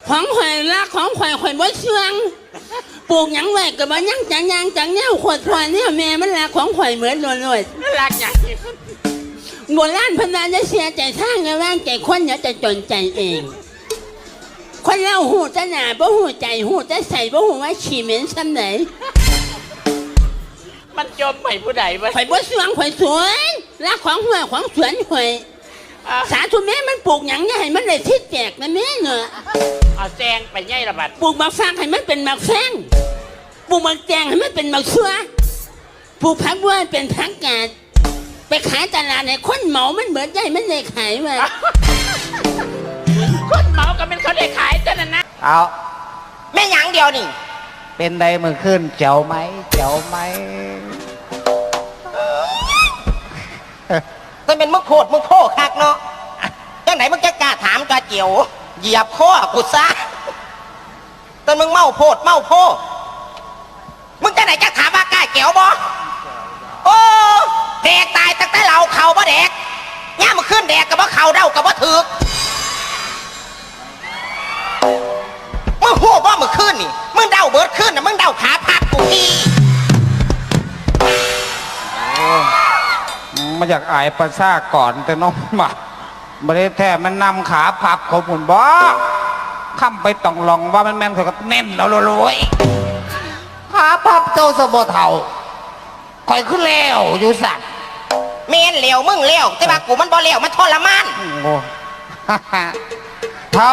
ของข่อยรักของข่อยบ่เชื่องปลูกหยังไว้ก็บ่ยังจังยางจังแนวขวดพลอยเนี่ยแม่มันรักของข่อยเหมือนเลยรักอย่างนี้โบราณพนันจะเสียใจทางไงว่างใจคนอย่าจะจนใจเองคนเราหูจะหนาบ่หูใจหูจะใส่บ่หูว่าฉี่เหม็นซ้ำไหนมันจมไปผู้ใดวะข่อยบ่สวงข่อยสวยรักของหัวของสวนข่อยสาธุแม่มันปลูกหยังเนี่ยให้มันได้ทิศแจกนะแม่เนอะเอาแจงไปไงระบาดปลูกบักฟางให้มันเป็นบักแฟงปลูกบักแจงให้มันเป็นบักชัวปลูกผักบัวเป็นผักกาดไปขายตลาดเนี่ยคนเหมามันเบิดได้มันได้ขายมาคนเหมาก็เป็นเขาได้ขายจ้ะนะเอาแม่หยังเดียวนี่เป็นใดมือขึ้นเจ๋วไหมแต่เป็นมึงโคตรมึงโพ่คักเนาะจังไหนมึงจะกล้าถามกาเจียวเหยียบข้อกูซะแต่มึงเมาโพดเมาโพมึงจะไหนจะถามว่ากล้าเจียวบ่โอ้แดกตายตั้งแต่เราเข่าบ่แดกย่ามึงขึ้นแดกกับว่าเข่าเด้ากับว่าถือมึงโหบ่มึงขึ้นนี่มึงเด้าเบิดขึ้นนะมึงเด้าขาพับกูพี่มาจากอายประซาก่อนแต่น้องมาบริแท้มันนำขาพับของผมบ่ข้ามไปต้องลองว่ามันแม่นเขาก็แน่นแล้วรวยขาพับเจ้าสมบูรณ์เท่าคอยขึ้นแล้วอยู่สัตว์เมนเหลวมึงเหลวแต่ว่ากูมันบ่เหลวมันทรมานโอ้เท่า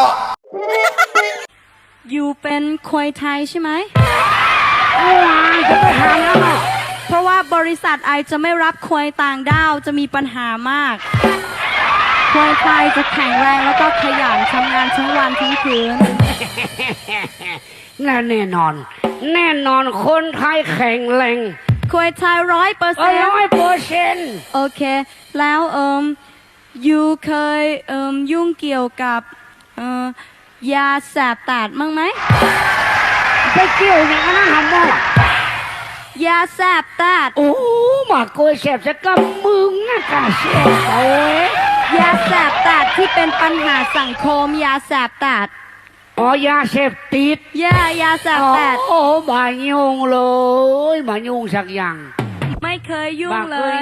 อยู่เป็นควายไทยใช่ไหมจะไปหาแล้วเพราะว่าบริษัทไอจะไม่รับควายต่างด้าวจะมีปัญหามากควายไทยจะแข็งแรงแล้วก็ขยันทำงานทั้งวันทั้งคืนแน่นอนคนไทยแข็งแรงควายไทย100%โอเคแล้วยูเคยยุ่งเกี่ยวกับยาแสบตาดมั้งไหมไปเกี่ยวอย่างนั้นทำบ่ยาแสบตาดโอ้หมาโกยแสบจะกำมึงนะกะเสียโอ้ยยาแสบตาดที่เป็นปัญหาสังคมยาแสบตาดอ๋อยาเสพติดยาแสบตาดโอ้บายุ่งเลยบายุ่งสักอย่างไม่เคยยุ่งเลย